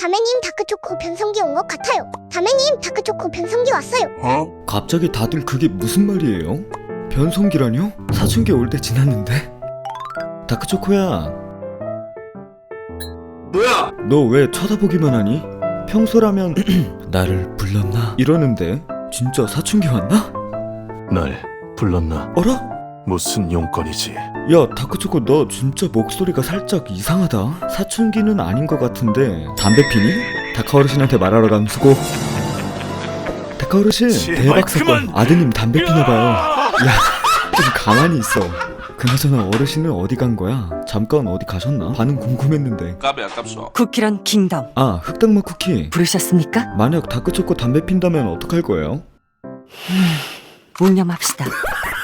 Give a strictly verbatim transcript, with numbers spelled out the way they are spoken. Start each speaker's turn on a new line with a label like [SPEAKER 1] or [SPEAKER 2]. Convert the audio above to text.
[SPEAKER 1] 다매님 다크초코 변성기 온 것 같아요. 다매님 다크초코 변성기 왔어요.
[SPEAKER 2] 어? 갑자기 다들 그게 무슨 말이에요? 변성기라뇨? 사춘기 올 때 지났는데? 다크초코야,
[SPEAKER 3] 뭐야?
[SPEAKER 2] 너 왜 쳐다보기만 하니? 평소라면 나를 불렀나? 이러는데 진짜 사춘기 왔나?
[SPEAKER 4] 날 불렀나?
[SPEAKER 2] 어라?
[SPEAKER 4] 무슨 용건이지?
[SPEAKER 2] 야, 다크초코 너 진짜 목소리가 살짝 이상하다. 사춘기는 아닌 것 같은데 담배 피니? 다카 어르신한테 말하러 간 수고. 다카 어르신,
[SPEAKER 4] 제발
[SPEAKER 2] 대박 사건.
[SPEAKER 4] 그만!
[SPEAKER 2] 아드님 담배 피나봐요. 야, 좀 가만히 있어. 그나저나 어르신은 어디 간 거야? 잠깐 어디 가셨나? 반응 궁금했는데.
[SPEAKER 3] 깝이 아깝소.
[SPEAKER 5] 쿠키런 킹덤
[SPEAKER 2] 아, 흑당맛 쿠키.
[SPEAKER 5] 부르셨습니까?
[SPEAKER 2] 만약 다크초코 담배 핀다면 어떡할 거예요?
[SPEAKER 5] 묵념합시다.